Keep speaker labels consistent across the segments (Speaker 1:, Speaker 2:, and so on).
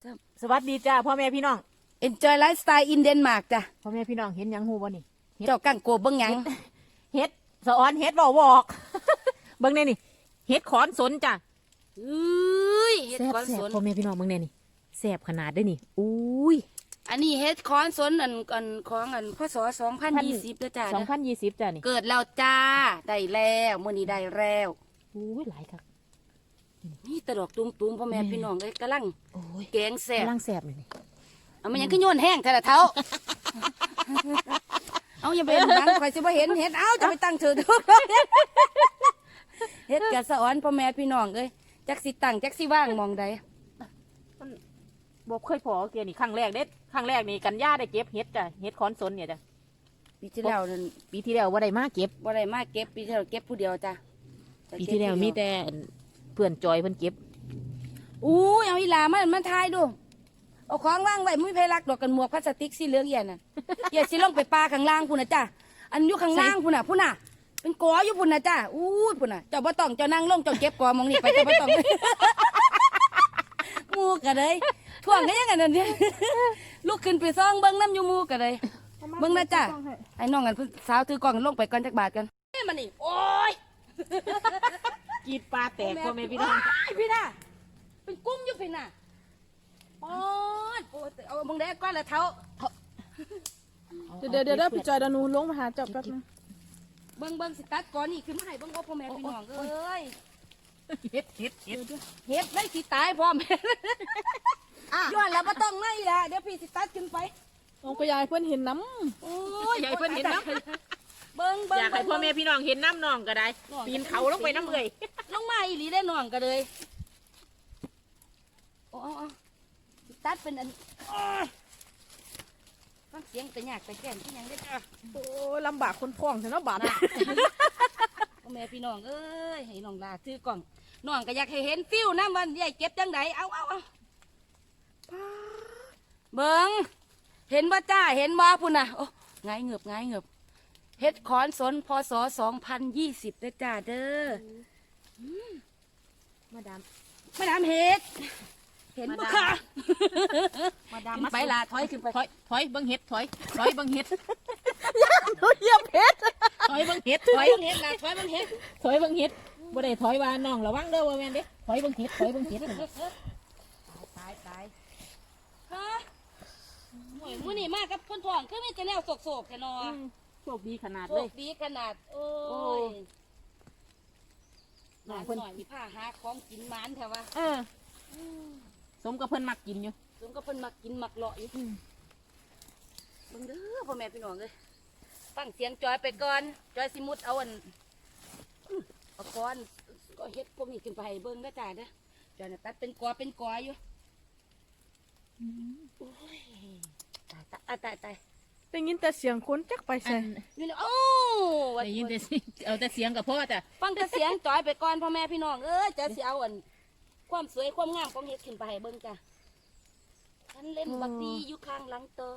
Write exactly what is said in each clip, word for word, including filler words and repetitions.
Speaker 1: สวัสดีจ้าพ่อแม่พี่น้อง
Speaker 2: Enjoy lifestyle in Denmark จ้ะ
Speaker 1: พ่อแม่พี่น้องเห็นหยังฮูบ่นี่
Speaker 2: เจ้ากังโกบเบิ่งหยัง
Speaker 1: เฮ็ดสะออนเฮ็ดบ่วอก เบิ่งแน่นี่เฮ็ดขอนสนจ้ะ
Speaker 2: เอ้ยเฮ็ด
Speaker 1: แซ่บ
Speaker 2: คอน
Speaker 1: แซ่
Speaker 2: ส
Speaker 1: บ
Speaker 2: น
Speaker 1: พ่อแม่พี่น้องเบิ่งแน่นี่แซ่บขนาดเด้อนี่อุ้ย
Speaker 2: อันนี้เฮ็ดคอนสนอันอันของอันพศสองพันยี่สิบเด้อจ้า
Speaker 1: สองพันยี่สิบจ้ะนี่
Speaker 2: เกิดแล้วจ้าได้แล้วมื้อนี้ได้แล้ว
Speaker 1: อุ้ยหลายคัก
Speaker 2: นี่ตะดอกตุ้มๆพ่อแม่
Speaker 1: แม่
Speaker 2: พี่น้องเอ้ยกำลัง
Speaker 1: โอ้ย
Speaker 2: แกงแซ่บ
Speaker 1: กำลังแซ่บเลยนี่
Speaker 2: เอามันยังคือโยนแห้งแต่ละเท้า เอาอย่าไปเห็นบังข่อยสิบ่เห็นเฮ็ดเอาจะไปตั้งเถอะทุกเฮ็ดกะสะออนพ่อแม่พี่น้องเอ้ยจักสิตั้งจักสิว่างมองใด
Speaker 1: บ่เคยพอเกียนี่ครั้งแรกเด็ดครั้งแรกนี่กันย่าได้เก็บเฮ็ดจ้ะเฮ็ดขอนสนเนี่ยจ้ะ
Speaker 2: ปีที่แล้วนั่น
Speaker 1: ปีที่แล้วบ่ได้มาเก็บ
Speaker 2: บ่ได้มาเก็บปีที่แล้วเก็บผู้เดียวจ้ะ
Speaker 1: ปีที่แล้วมีแต่เพื่อนจอยเพิ่นเก็บ
Speaker 2: อู้ยเอาอีหลามันมันทายดูเอาของว่างไว้มุ้ยไผรักดอกกันหมวกพลาสติกสีเหลืองเอี่ยน่ะ อย่าสิลงไปปลาข้างล่างพุ่นน่ะจ้ะอันอยู่ข้างล่างพุ่นน่ะพุ่นน่ะเป็นกออยู่พุ่นน่ะจ้ะอู้ยพุ่นน่ะเจ้าบ่ต้องเจ้านั่งลงเจ้าเก็บกอมองนี่ไปเจ้าบ่ต้อง หมูกะเลยท่วงก็ยังไงนั่นเนี่ย ลูกขึ้นไปซ่องเบิ้งน้ำอยู่หมูกะเลยเบิ้งนะจ้ะไอ้น้องกันผู้สาวถือกล่องลงไปก่อนจักบาทกันเฮ้ยมันนี่โอ้ย
Speaker 1: กีดปลาแตกพ่อแม่พี่น้อง
Speaker 2: ไอ้พี่น่ะเป็นกุ้งอยู่พี่น่ะปอดโอ้ยเอาเบิ้งได้ก้อนละเท้า
Speaker 3: เดี๋ยวเดี๋ยวเดี๋ยวพี่จอยเดยวหนูลงมาหาเจับแป๊บนึง
Speaker 2: เบิ้งเบิ้งสิตัดก้อนนี่ขึ้นมาให้เบิ้งโอ้พ่อแม่พี่น้องเอ้ย
Speaker 1: เฮ็ดเฮ็ดเฮ็ด
Speaker 2: เฮ็ดได้สิตายพร้อม ย้อนแล้วบ่ต้องไม่ละเดี๋ยวพี่สิตัดขึ้นไป
Speaker 3: ลงไปยายเพื่อนเห็นน้
Speaker 2: โอ้ย
Speaker 1: อยากให้เพิ่นเห็นน้ำ
Speaker 2: เบิ้งเบิ้ง
Speaker 1: อยากให้พ่อแม่พี่น้องเห็นน้ำน้องก็ได้
Speaker 2: น้อง
Speaker 1: ปีนเขาลงไปน้ำเลย
Speaker 2: ลงมาอีหลีได้น้องก็เลยโอ้เอาเอาสิตัดเป็นอันอ้อฟังเสียงแต่ยากแต่แก่นที่ยังได้จ้ะ
Speaker 3: ำโอ้ยลำบากคนพ้องแต่เนาะบาด
Speaker 2: พ่อแม่พี่น้องเอ้ยให้น้องลาซื้อกล่องน้องก็อยากให้เห็นฟิวน้ำวันใหญ่เก็บจังไดเอาเอาเอาเบิ้งเห็นบ่จ้าเห็นบ่พุ่นน่ะโอ้ไงายเงือบไงายเงือบเฮ็ดขอนสนพศสองพันยี่สิบเด้อจ้าเด้อ
Speaker 1: มาดาม
Speaker 2: มาดามเฮ็ดเห็นบ่ค่ะ
Speaker 1: มาดาม
Speaker 2: ขึ้นไปละถอยขึ้นไป
Speaker 1: ถอยถอยเบิ่งเฮ็ดถอยถอยเบิ่งเฮ็ด
Speaker 3: หนูเหยียบเพชร
Speaker 1: ถอยเบิ่งเฮ็ดถ
Speaker 2: ถ
Speaker 1: อ
Speaker 2: อย ยเบิ่งเฮ็ดละถอยเบิ่งเฮ็ด
Speaker 1: ถอยเบิ่งเฮ็ดบ่ได้ถอยว่าน้องระวังเด้อว่าแม่นเด้ถอยเบิ่งเฮ็ดถอยเบิ่งเฮ็ด
Speaker 2: ตายตายฮะโอ้ยมื้อนี้มากับคนท้องคือมีแต่แนวโศกๆแท้เนาะ
Speaker 1: โชคดีขนาด
Speaker 2: โช
Speaker 1: เลย
Speaker 2: คดีขนาดโอ้
Speaker 1: โอ้
Speaker 2: ย
Speaker 1: ย
Speaker 2: หน่อยหน่อยมีผ้าหาของกินหมานแท้ว่า
Speaker 1: เออสมกับเพิ่นมักกินอยู่
Speaker 2: ถึงก็เพิ่นมักกินมักเลาะอยู่เบิ่งเด้อพ่อแม่พี่น้องเอ้ยฟังเสียงจอยไปก่อนจอยสิมุดเอาอันอื้อเอาก้อนก็เฮ็ดพวกนี้ขึ้นไปให้เบิ่งเด้อจ้าเด้อจอยน่ะตัดเป็นกอเป็นกออยู่โอ้ยตายตายตายตาย
Speaker 3: ได้ยินแต่เสียงคนจักไป
Speaker 1: อั
Speaker 3: ใส่
Speaker 1: น
Speaker 2: อยู่แล้วโอ้วัด
Speaker 1: ได้ยินแต่เสียงเอาแต่เสียงกับพ่อจ้ะ
Speaker 2: ฟังแต่เสียงจอยไปก่อนพ่อแม่พี่น้องเอ้ยจะสิเอาอันความสวยความงามของเฮ็ดขึ้นไปให้เบิ่งจ้ะฉันเล่นบักดีอยู่ข้างหลังโต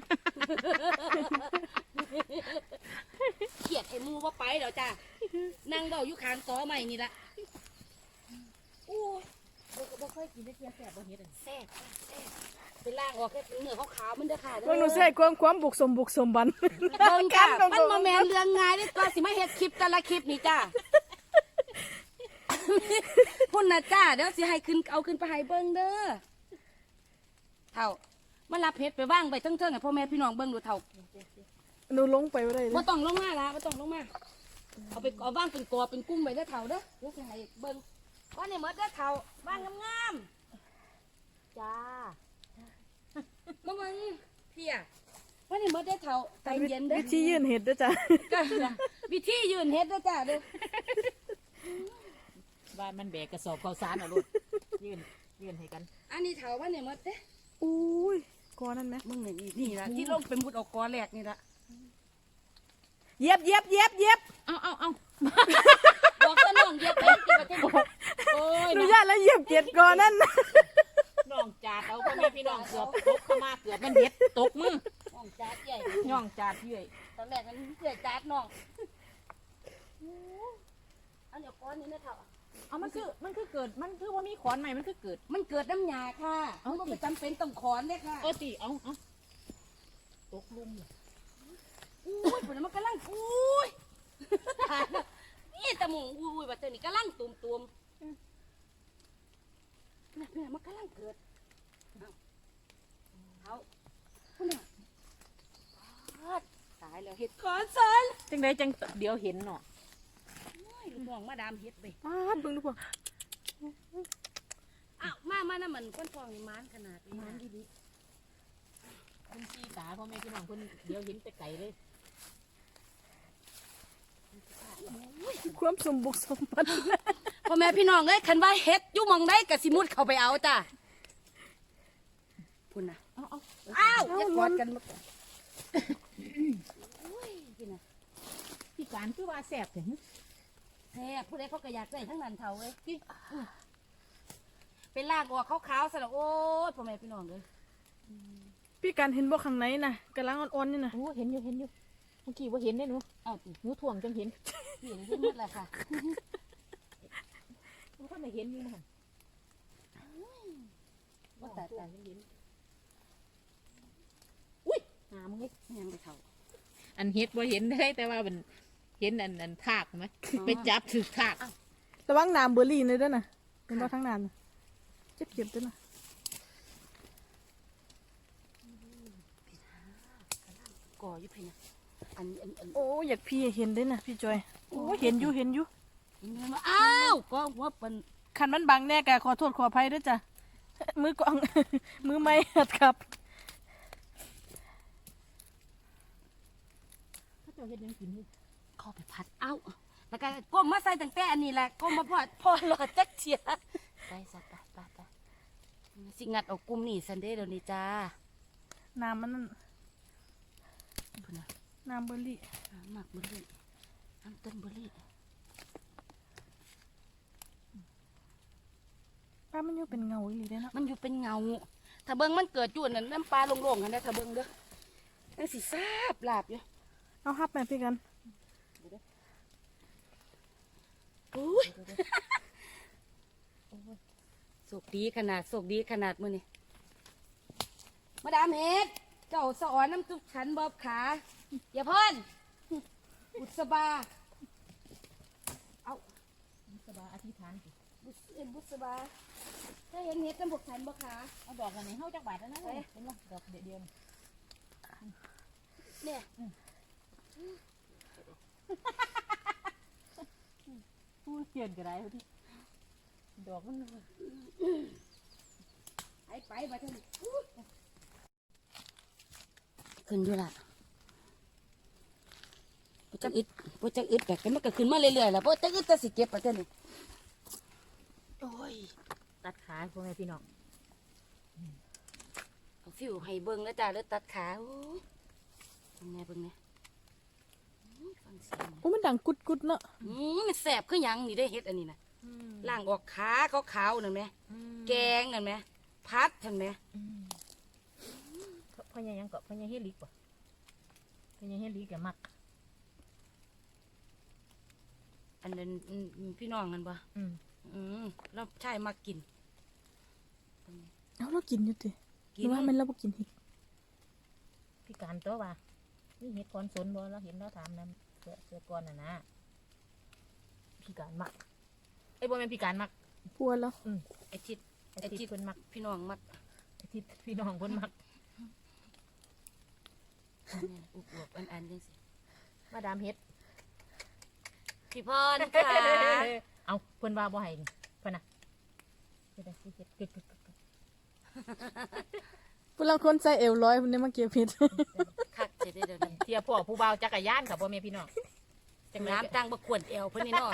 Speaker 2: เขียดให้หมูว่าไปแล้วจ้ะนั่งเบาอยู่ข้างตอใหม่นี่ละโอ้ย
Speaker 1: บ่บ่เคยกินได้เทียแซ่บบ่เฮ็ดอัน
Speaker 2: แซ่บจ้ะแซ่บไปล่างออกแค่เนื้อขาวๆมันเด้อค่ะเด้อ
Speaker 3: พวกหนูใส่ความความบุกสมบุกสมบัน
Speaker 2: เบิ่งจ้ะมันมาแมนเรื่องง่ายเด้อตัวสิมาเฮ็ดคลิปแต่ละคลิปนี่จ้ะ พุ่นนะจ้าเดี๋ยวสิให้ขึ้นเอาขึ้นไปให้เบิ่งเด้อเท่ามารับเฮ็ดไปว่างไปเทิงๆให้พ่อแม่พี่น้องเบิ่งดูเท่า
Speaker 3: หนูลงไปไม่ได้เล
Speaker 2: บ่
Speaker 3: ย
Speaker 2: ต้องลงมาละบ่ต้องลงมาเอาไปเอาว่างเป็นกอเป็นกุ้งไปเด้อเท่าเด้อเดี๋ยวสิให้เบิ่งว่านี่หมดเด้อเท่าว่างงามๆจ้ามาเบิ่งพี่อ่ะว่านี่หมดเด้อเท่าใจเย็นเด้อ
Speaker 3: วิธียื่นเห็ดด้วยจ้ะ
Speaker 2: ก็วิธียืนเฮ็ดเด้อจ้าเด้อ
Speaker 1: บ้านมันแบกกระสอบข้าวสารเอาลูกยื่นยื่นให้กัน
Speaker 2: อันนี้เท่าว่านี่หมดเด้อ
Speaker 3: อุ้ยกอนั่นไหม
Speaker 2: มึงนี่นี่ล่ะที่ลงเป็นมุดเออกกอแรกนี่ละ
Speaker 3: เหยียบเหยียบเหยียบเหยียบ
Speaker 1: เอาเอาเอา
Speaker 2: บอกซะน้องเหยียบไปที่ประเทศ
Speaker 1: โอ้ย
Speaker 3: หนู
Speaker 1: น้อง
Speaker 3: ญาติแล้วเหยียบเกียดกอนั่น
Speaker 1: น้องจาดเอาพ่อแม่พี่น้องเกือบตกเข้ามาเกือบมันเฮ็ดตกมือ
Speaker 2: น้องจัดใหญ่
Speaker 1: ย่องจาดเยื่อย
Speaker 2: ตอนแรกมันเกลือจัดน้องอันเดี๋ยวก้อนนี้นะเถอะ
Speaker 1: เอามันคือมันคือเกิดมันคือว่ามีขอนใหม่มันคือเกิด
Speaker 2: มันเกิดน้ำหยาค่ะ
Speaker 1: เอา
Speaker 2: มัน
Speaker 1: สิ
Speaker 2: ก็จำเป็นต้องขอนเลยค่ะ
Speaker 1: เออตีเอาเอาตกลุมเลย
Speaker 2: อุ้ยผลมันกำลังอุ้ยตายแล้วนี่ตะหมูอุ้ยบัดเตอร์นี่กำลังตุ่มตุ่มนี่นี่มันกำลังเกิดเอาเอาคุณน่ะตายแล้วเห็ดขอนสน
Speaker 1: จังไดจังเดี๋ยวเห็นเนาะ
Speaker 2: ลูกน้องมาดามเฮ็ดไป
Speaker 3: ป้าดเบิ่งดูพวก
Speaker 2: อ้าวมามานะมันก้นฟองนี่มันขนาดนี้
Speaker 1: มัน
Speaker 2: นะ
Speaker 1: ดีดีคุณพี่ตาพ่อแม่พี่น้องคนเดี๋ยวเห็นแต่ไก่เลย
Speaker 3: ความสมบุกสมบัน
Speaker 2: พ่อแม่พี่น้องเอ้ยคันว่าเฮ็ดอยู่หมองได้กะสิมุดเข้าไปเอาจ้ะพุ่นน่ะ
Speaker 1: เอาเอา
Speaker 2: อ้าวอย่ากอดกันมาก่อนโอ้ยพี่น่ะ
Speaker 1: พี่การคือว่าแสบถึง
Speaker 2: แท้ผู้ใดเขาก็อยากได้ทั้งนั้นเท่าเว้ยพี่เป็นลากออกขาวๆซะแล้วโอ้ยพ่อแม่พี่น้องเอ้ย
Speaker 3: พี่การเห็นบ่ข้างในน่ะกำลังอ่อนๆนี่น่ะ
Speaker 1: โอ้เห็นอยู่เห็นอยู่เมื่อกี้ว่าเห็นได้หนู
Speaker 2: เอาติ
Speaker 1: หนูถ่วงจังเห็น
Speaker 2: พี่เห็นหมดแล้วค่ะ
Speaker 1: หนูก็ไม่เห็นอยู่นะ
Speaker 2: ว่าแต่แต่
Speaker 1: เห็นอุ้ยหามึงเลย
Speaker 2: ยังไปเท่า
Speaker 1: อันเห็ดบ่เห็นได้แต่ว่ามันเห็นอันอันทากไหมไปจับถือทาก
Speaker 3: ระวังน้ำเบอร์รี่เลยด้วยน่ะเป็นบ่ทั้งน้ำน่ะเจ็บเก็บด้วยน่ะ
Speaker 2: ก่ออยู่พี่น่ะอันอันอัน
Speaker 3: โอ้อยากพี่เห็นได้น่ะพี่จอยโอ้เห็นอยู่เห็นอยู่
Speaker 2: เห็นไหมอ้าวก็หัวเป็น
Speaker 3: คันมันบังแน่กะขอโทษขออภัยด้วยจ้ะมือกอง มือไม่หัดครับ
Speaker 1: ถ้าเจ้าเห็ดยังกินอยู่
Speaker 2: เข้าไปพัดเอ้าแล้วก็ก้มมาใส่ตั้งแต่อันนี้แหละก้มมาพอดพอหลอดจักเชียไปสัตว์ไปไปไปสิงัดเอากุมนี่ซันเดย์เดี๋ยวนี้จ้า
Speaker 3: น้ำมันนั่น
Speaker 2: พุ่นน่ะ
Speaker 3: น้ำเบอร์รี่
Speaker 2: น้ำหมักเบอร์รี่น้ำต้นเบอร์รี่
Speaker 3: ป้ามันอยู่เป็นเงาอีหลีเด้เนาะ
Speaker 2: มันอยู่เป็นเงา ถ้าเบิ้งมันเกิดอยู่นั่นน้ำปลาโล่งๆกันนะถ้าเบิ้งเด้อนั่นสิซาบลาบอยู่
Speaker 3: เอาฮับแม่พี่กัน
Speaker 2: อุ้ยโศกดีขนาดโศกดีขนาดมือนี่มาดามเฮ็ดเจ้าสอนน้ำจุกฉันบอบขา อย่าพ่นบุษบา เอา
Speaker 1: สบายอธิษฐานสิ
Speaker 2: บุษเอ็นบุษบา ถ้าเห็นเฮ็ดน้ำบกฉันบอบขา
Speaker 1: เอาดอกกันในเฮาจักบาทแล้วนะเห็นบ่ดอกเดียวเดียว
Speaker 2: เนี่ย
Speaker 1: พูดเขียนก็ได้พอดีดอกมัน
Speaker 2: ไปไปมาเถอะขึ้นอยู่ละปุจักอึดปุจักอึดแบบกันมันก็ขึ้นมาเรื่อยๆแล้วปุจักอึดจะสิเก็บมาเถอะนี่โอ้ย
Speaker 1: ตัดขาพ่อแม่พี่น้อง
Speaker 2: เอาฟิวให้เบิ้งแล้วจ้าแล้วตัดขาโอ้ยเบิ้งแน่เบิ้งแน่อื้อฟังเสียง
Speaker 3: โอ้มันดังกุดกุดๆเนาะ
Speaker 2: อืมมันแสบคือหยังนี่ได้เฮ็ดอันนี้นะล่างออกขาขาวๆนั่นไหมแกงนั่นไหมพัดเห็นไหม
Speaker 1: พ่อยังยังก็พ่อยังเฮลิกบ่พ่อยังเฮลิกแกมัก
Speaker 2: อันนั้นอืมพี่น้องกันปะ
Speaker 1: อืม
Speaker 2: อืมแล้วใช่มากิน
Speaker 3: เอาเรากินอยู่ติห
Speaker 2: กิ
Speaker 3: รือว่ามันเราบ่กินเห็ด
Speaker 1: พี่การตัวว่านี่เห็ดคอนสนบ่เราเห็นเราถามนํเสือเสือก่อนน่ะนะพี่การมักไอ้ยบ่แม่นพี่การมัก
Speaker 3: พัวแล้ว
Speaker 1: อืม
Speaker 2: ไอทิด
Speaker 1: ไอ้
Speaker 2: ไอ้
Speaker 1: ทิ
Speaker 2: ทิ
Speaker 1: ศ
Speaker 2: ด
Speaker 1: เพิ่นมัก
Speaker 2: พี่น้องมัก
Speaker 1: ไอ้ทิศพี่น้องเพิ่นมัก
Speaker 2: เนี่ยอุบอวบอันอันจังสิ
Speaker 1: มาดามเฮ็ด
Speaker 2: พี่พรค่ะ
Speaker 1: เอาเพิ่นว่าบ่ให้นี่เพิ่นน่ะเฮ็ดได้สิเฮ็ดกึกกึกกึกกึก
Speaker 3: ผู้ลังคนใส่เอวร้อยเพิ่นได้มาเก็บเห็ด
Speaker 2: คักจะได้เดี๋ยวนี้
Speaker 1: เทียพ่อผู้บ่าวจักรยานค่ะพ่อแม่พี่น้องจังได๋
Speaker 2: น้ำตังบกขวนเอวเพิ่นนี่เนาะ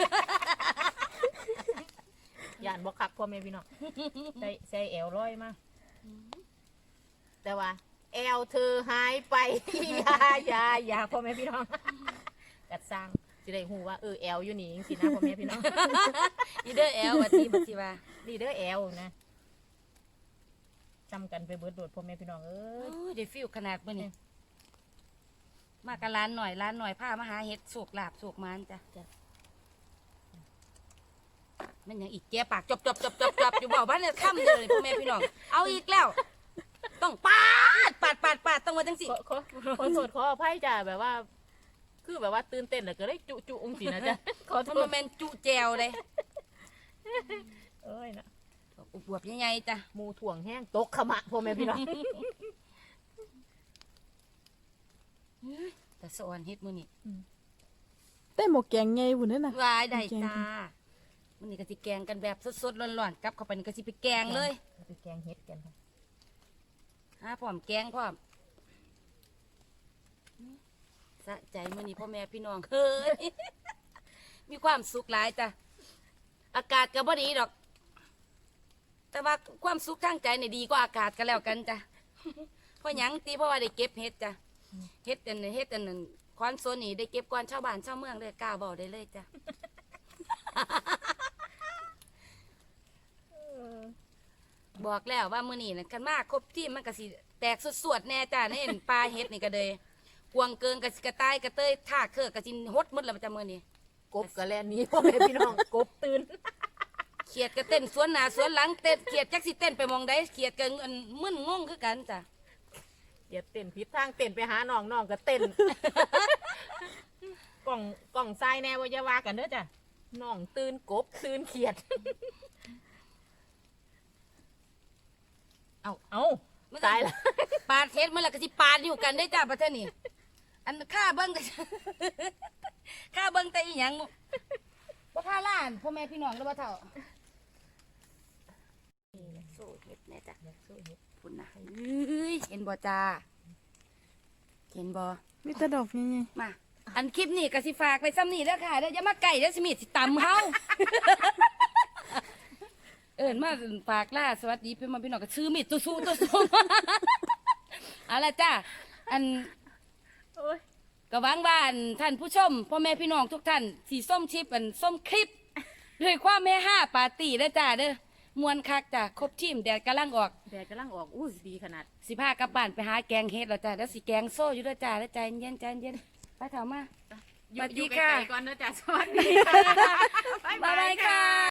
Speaker 1: ย่านบ่คักพ่อแม่พี่น้องใส่ใส่แอวร้อยมาแต่ว่าแอวเธอหายไป อย่าอย่าอย่าพ่อแม่พี่น้องกัดสร้างสิได้ฮู้ว่าเออแอวอยู่นี่จังซี่นะพ่อแม่พี่น้อง
Speaker 2: อีเด้อแอลบัดนี้บัดสิว่า
Speaker 1: นี่เด้อแอวนะจำกันไปเบิดโดดพ่อแม่พี่น้องเอ้
Speaker 2: โอ้
Speaker 1: ย
Speaker 2: ยได้ฟิลขนาดมื้อนี้มากับร้านหน่อยร้านหน่อยพามาหาเฮ็ดโศกลาบโศกมานจ้ะจ้ะมันยังอีกแกปากจบจบจบจบจบอยู่บอกว่าเนี่ยค่ำเลยพ่อแม่พี่น้องเอาอีกแล้ว ต้องปาดปาดปาดปาดต้องมาจังสิ
Speaker 1: ขอขอขอโทษขออภัยจ้ะแบบว่า คือแบบว่าตื่นเต้นแล้วก็ได้จุจุองสินะจ๊ะขอโท
Speaker 2: มัน
Speaker 1: ษ
Speaker 2: แมนจุแจวเลย
Speaker 1: เอ้ยนะ
Speaker 2: บวบใหญ่ๆจ้ะ
Speaker 1: หมูถ่วงแห้งตกขมะพ่อแม่พี่น้อง
Speaker 2: แต่สอนเฮ็ดมื้อนี้
Speaker 3: แต่หมกแกงไงบุญนั่นน่ะ
Speaker 2: วายได้จ้ามื้อนี้ก็สิแกงกันแบบสดๆร้อนๆกลับเข้าไปนี่ก็สิไปแกงเลย
Speaker 1: ไปแกงเฮ็ดกันค่ะ
Speaker 2: หาพร้อมแกงพร้อมสะใจมื้อนี้พ่อแม่พี่น้องเฮ้ย มีความสุขหลายจ้ะอากาศก็บ่ดีดอก แต่ว่าความสุขทางใจนี่ดีกว่าอากาศก็แล้วกันจ้ะ เพราะหยังตีเพราะว่าได้เก็บเฮ็ดจ้ะเฮ็ดอันนั้นเฮ็ดอันนั้นคอนโซนนี่ได้เก็บก่อนชาวบ้านชาวเมืองเลยกล้าบอกได้เลยจ้ะ บอกแล้วว่ามื้อนี้น่ะคันมาครบทีมมันก็สิแตกสวดๆแน่จ้ะในปลาเฮ็ดนี่ก็เลยกวางเกิงก็สิกระต่ายกระเตยท่าเครือก็สิหดหมดแล้วจ้ะมื้อนี้
Speaker 1: กบกระแลนหนี้พ่อแม่พี่น้องกบตื่น
Speaker 2: เขียดก็เต้นสวนหน้าสวนหลังเต้นเขียดจักสิเต้นไปหมองใดเขียดก็อันมึนงงคือกันจ้ะ
Speaker 1: อย่าเต้นผิดทางเต้นไปหาน้องน้องก็เต้น กล่องกล่องทรายแน่ว่าอย่าว่ากันเด้อจ้ะน้องตื่นกบตื่นเขียด
Speaker 2: เอา
Speaker 1: เอ้าตายละ
Speaker 2: ปาดเฮ็ดมื้อละก็สิปาดอยู่กันได้จ้ะประเทศนี้อันค่าเบิ่งก็ ค่าเบิ่งแต่อีหยังบ่ค่าล้านพ่อแม่พี่น้องแล้วบ่เท่าสู้เฮ็ดแน่จ้ะพุ่นน่ะเอ้ยเห็นบ่จ้าเห็นบ่
Speaker 3: มีแต่ดอกไง
Speaker 2: มา อันคลิปนี้ก็สิฝากไปซ้ำนี่เด้อค่ะเด้ออย่ามาไก่เด้อสิมีดสิตำเฮา เอิ้นมาฝากล่าสวัสดีพี่มาพี่น้องก็ชื่อมีดตู้สู้ตู้สู้ เอาล่ะจ้าอัน
Speaker 1: โอ้ย
Speaker 2: ก็หวังว่าอันท่านผู้ชมพ่อแม่พี่น้องทุกท่านสีส้มชิปอันส้มคลิป ด้วยความแม่ห้าปาร์ตี้เด้อจ้าเด้อมวนคักจ้ะครบทีมแดดกำลังออก
Speaker 1: แดดกำลังออกอู้ดีขนาด
Speaker 2: สิพากลับบ้านไปหาแกงเฮ็ดแล้วจ้าแล้วสิแกงโซ่อยู่เด้อจ้าแล้วใจเย็นใจเย็นไปเถอะมา
Speaker 1: อยู่
Speaker 2: สวัสดี
Speaker 1: อยู่
Speaker 2: ค่ะ
Speaker 1: ไกลๆก่อนนะจ๊ะสวัสดีค่ะ
Speaker 2: บ๊ายบายค่ะ